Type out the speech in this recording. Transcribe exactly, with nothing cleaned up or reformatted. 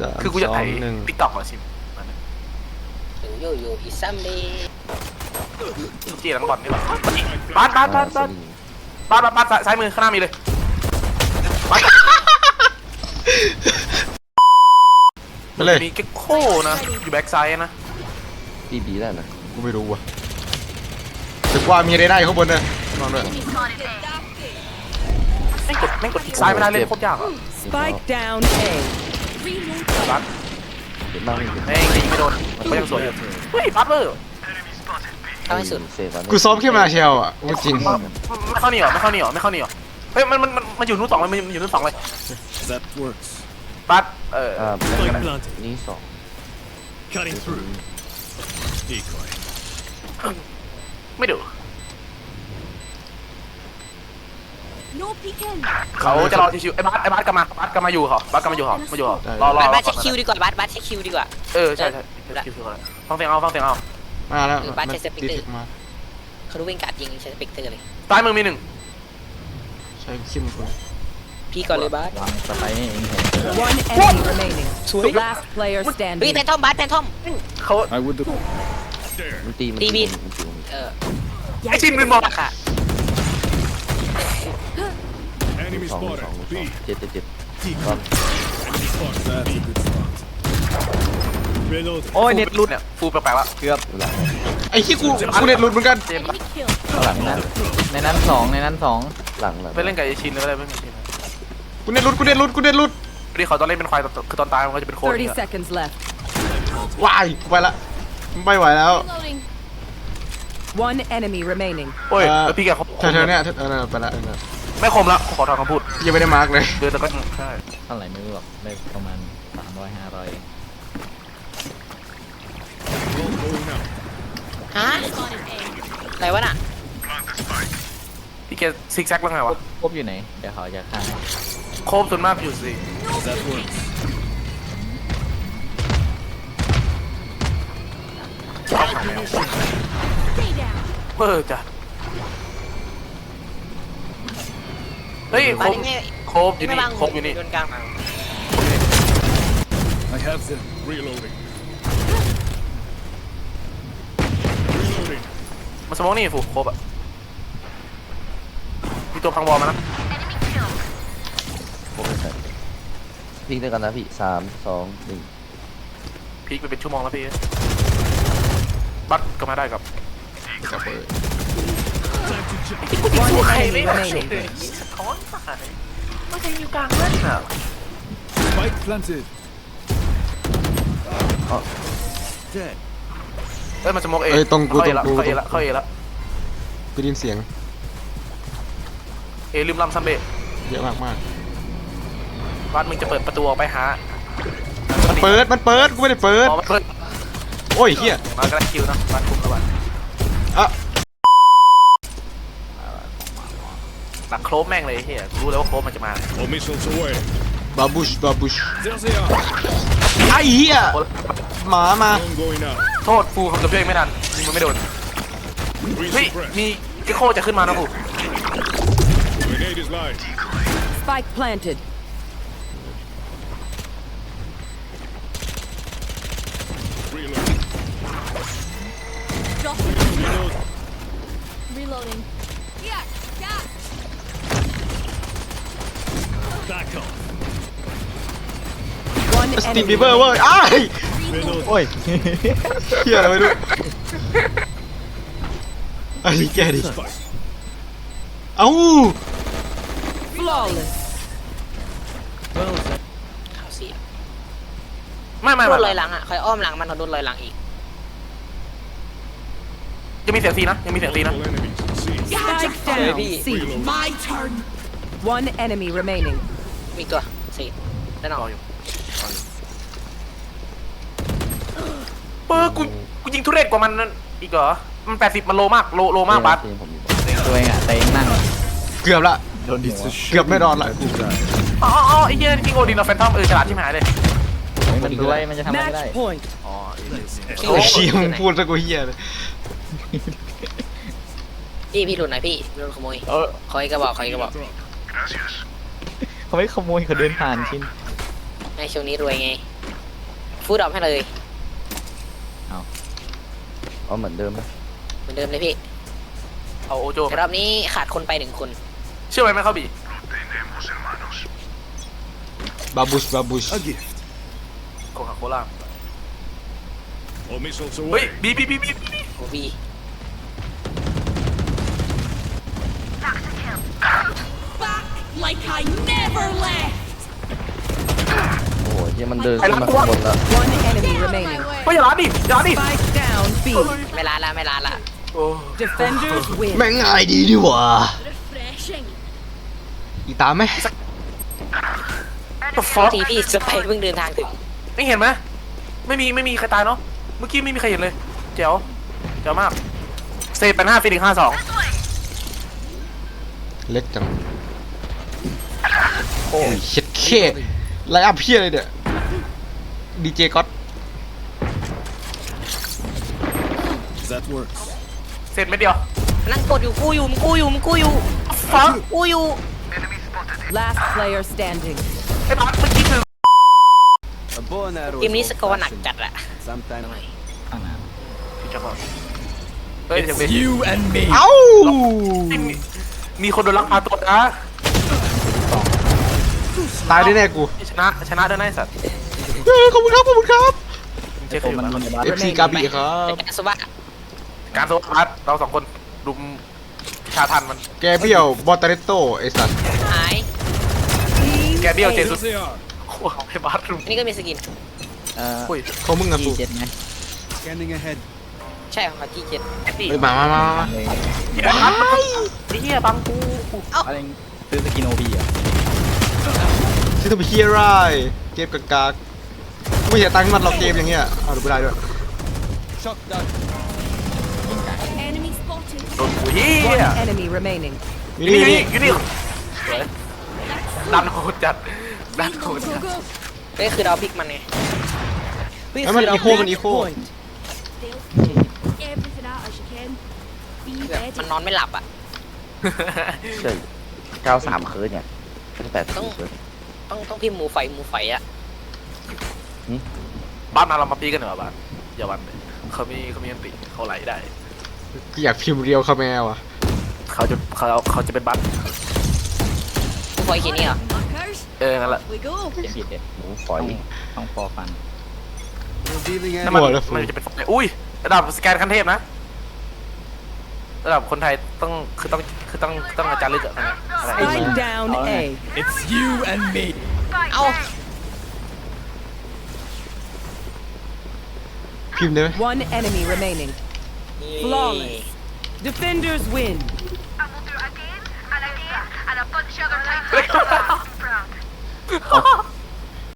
คือกูจะถ่ายติ๊กต็อกเหรอชิมโยโย่อีซัมเดย์จีหลังบอลนี่หรอบัสบัสบัสบัสบัสบัสบัสซ้ายมือข้างหน้ามีเลยบัสไปเลยมีเก็กโค้นะอยู่แบ็กไซด์นะบีบีได้นะกูไม่รู้ว่ะแต่ว่ามีอะไรได้ข้างบนเนี่ยนอนด้วยไม่กดไม่กดคลิกซ้ายไม่ได้เล่นโคตรยากอ่ะ Spike down A บัสเด็ดมากเลยเฮ้ยยิงไม่โดนก็ยังสวยอยู่เฮ้ยบัสเวอร์เข้าให้สุดกูซ้อมแค่มาเชลอ่ะจริงไม่เข้านี่หรอไม่เข้านี่หรอไม่เข้านี่หรอเฮ้ยมันมันมันอยู่นู้นสองเลยมันอยู่นู้นสองเลยบัสเออนี่สองไม่ดูเขาจะรอชิวๆไอ้บัสไอ้บัสกลับมาบัสกลับมาอยู่เหรอบัสกลับมาอยู่เหรอมาอยู่เหรอรอรอบัสเช็คคิวดีกว่าบัสบัสเช็คคิวดีกว่าเออใช่ใช่คิวคืออะไรฟังเสียงเอาฟังเสียงเอามาแล้วบัสใช้สปิกเตอร์เขาดูวิ่งกัดยิงใช้สปิกเตอร์เลยซ้ายมือมีหนึ่งใช่คิมคนพี่ก่อนเลยบัสสไปนี่เอง One enemy remaining last player standing เฮ้ยแพนทอมบัสแพนทอมเขามันตีมันตีบีเออไอชินเป็นบอกค่ะสองสองเจ็ดเจ็ดเจ็ดโอ้ยเน็ตรุดเนี่ยฟูแปลกๆแล้วเกือบหลังไอ้ที่กูกูเน็ตหลุดเหมือนกันหลังนั้นในนั้นสองในนั้นสองหลังหลังไปเล่นกับไอชินหรืออะไรไม่มีกูเน็ตหลุดกูเน็ตหลุดกูเน็ตหลุดที่เขาตอนเล่นเป็นควายคือตอนตายมันก็จะเป็นโค้ด thirty seconds left วายไปละไม่ไหวแล้ว One enemy remaining โอ้ยแล้วพี่แกเขาเธอเนี้ยเออไปละไม่คมละขอถอนคำพูดยังไม่ได้มาร์กเลยเดือนแต่ก็ใช่เท่าไหร่ไม่รู้หรอกได้ประมาณสามร้อยห้าร้อยฮะอะไรวะน่ะพี่แกซิกแซกแล้วไงวะครบอยู่ไหนเดี๋ยวเขาจะฆ่าโคบส่วนมากอยู่สิเออจ้ะเฮ้ยโคบโคบอยู่นี่โคบอยู่นี่ I have them reloading. Reloading. มาสมองนี่ฟูโคบอ่ะมีตัวพังบอลมานะพีกด้วยกันนะพี่สามสองหนึ่งพีกไปเป็นชั่วโมงแล้วพี่บัตก็มาได้กับกับเปิดใครไม่ได้สะท้อนตายไม่ใช่อยู่กลางเล่นอ่ะ Spike planted. Dead. เอ้ยมันสมองเองตรงกูตรงกูเขาเอละเขาเอละกูได้ยินเสียงเอลืมลำซัมเบะเยอะมากมากบัตมึงจะเปิดประตูออกไปหาเปิดมันเปิดกูไม่ได้เปิดโอ้ยเฮียมากระคิวนะบัตคุมระบาดอ่ะหลักโครบแม่งเลยเฮียรู้แล้วว่าโครบมันจะมา All missiles away. บาบูชบาบูช There they are. ไอ้เฮียหมามา Drone going out. โทษฟูคำตัวเองไม่ทันยิงมันไม่โดนเฮ้ยมีเกโคจะขึ้นมานะฟู Grenade is live. Spike planted Reload. Reload. Reloading. Yeah, yeah. Back off. สตีมบีเบอร์เว้ยอ้ายโอ้ยเฮียอะไรไม่รู้ไอ้แกดิเอ้า flawless เขาเสียไม่ไม่โดไม่นลอยหลังอ่ะคอยอ้อมหลังมันโดนลอยหลังอีกยังมีเสียงซีนะยังมีเสียงซีนะ All enemies. See. Spike down C My turn. One enemy remaining มีตัวสี่ด้านนอกอยู่เออกูกูยิงทุเรศกว่ามันนั่นอีกเหรอมันแปดสิบมันโลมากโลโลมากบัสตัวเองอ่ะแต่เองนั่งเกือบละเกือบไม่รอดละกูอ๋ออ๋อไอ้เหี้ยจริงโอดินเราแฟนทอมเออฉลาดที่หายเลยมันด้วยมันจะทำอะไรก็ได้ match point อ๋อโอ้ยเชี่ยมึงพูดซะกูเฮียเลยพี่พี่หลุดหน่อยพี่โดนขโมยคอยกระบอกคอยกระบอกเขาไม่ขโมยเขาเดินผ่านชินในช่วงนี้รวยไงฟูดดรอปให้เลยเอาเหมือนเดิมไหมเหมือนเดิมเลยพี่เอาโอโจแต่รอบนี้ขาดคนไปหนึ่งคนเชื่อไหมไม่เข้าบีบาบูชบาบูช A gift. โคคาโคล่า All missiles เฮ้ย away. บีบีบีบีโอบี Back like I never left. โอ้ยเหี้ยมันเดินขึ้นมาข้างบนแล้ว One enemy remaining. เฮ้ยอย่าล้าดิอย่าล้าดิ Spike down B. ไม่ลาละไม่ลาละโอ้ Defenders win. แม่งง่ายดีดีหว่า Refreshing. อีตามไหมฟอสทีพี่สไปเพิ่งเดินทางถึงไม่เห็นไหมไม่มีไม่มีใครตายเนาะเมื่อกี้ไม่มีใครเห็นเลยเจ๋วเจ๋วมากเซฟเป็นห้าฟิลิกห้าสองเล็กจังโอ้ยเช็ดเคไลน์อัพเพี้ยเลยเนี่ยดีเจก๊อต That works. เสร็จไม่เดียวนั่งกดอยู่กูอยู่มึงกูอยู่มึงกูอยู่ฟังกูอยู่ Last player standing. ไอ้บ้านเมื่อกี้คือเกมนี้สกอร์หนักจัดอะ Sometimes. ข้างหน้าพี่จะบอกเฮ้ยเดี๋ยวไป You and me. เอ้ามีมีคนโดนลักพาตัวนะตายแน่ๆกูชนะชนะด้วยนะไอ้สัตว์เฮ้ยขอบคุณครับขอบคุณครับเจ๊เคยอยู่มันนะมันจะบ้าเอฟซีกาบีครับแต่แกสวะการโซฟาร์เราสองคนรุมชาทันมันแกเบี้ยวบอตเตเรโตไอสัตว์หายแกเบี้ยวเจสุด Here they are. โอ้โหไอ้บาสรุมอันนี้ก็มีสกินเอ่ออุ้ยเขามึงอะจีกูเจ็ดไง Scanning ahead. ใช่ของเขาที่เจ็ดไอ้ตีเฮ้ยมามามามาเลยไอ้บาสมันไอ้เหี้ยบังกูอะไรซื้อสกินโอบีอ่ะซื้อตัวไปเฮียไรเกมกากากๆไม่เสียตังค์ให้มันหรอกเกมอย่างเงี้ยเอาดูไม่ได้ด้วย Shock dart. Enemy spotted. โดนกูเหี้ย One enemy remaining. นี่นี่นี่นี่นี่อยู่นี่สวยดันโหดจัดดันโห Go, ด go, จัด go. ก็คือเราพลิกมันไงเฮ้ยแล้วมันคือเราอีโคมันอีโค Everything out as you can. Be แบบ ready. มันนอนไม่หลับอะใช่เก้าสามคืนเนี่ยตั้งแต่ต้องคืนต้องต้องพิมพ์หมูไฟหมูไฟอะบ้านมาเรามาปีกันเหรอบ้านอย่าวันเลยเขามีเขามีอันติเขาไหลได้อยากพิมพ์เรียวคาแมวอ่ะเขาจะเขาเขาจะเป็นบัตหมูไฟเขียนนี่เหรอ Markers. เออนั่นแหละ We go. เจ็ดผิดเด็ดหมูฝอยต้องฟอฟัน Revealing นั่น enemy. มันหมดแล้วมันจะเป็นอุ้ยระดับสแกนขั้นเทพนะระดับคนไทยต้องคือต้องคือต้องต้องอาจารย์ลึกอะอะไร Spike down A. It's you and me. เอ้าพิมพ์ได้ไหม One enemy remaining. Flawless. Defenders win. And we'll do it again and again and a bunch of other times. Proud.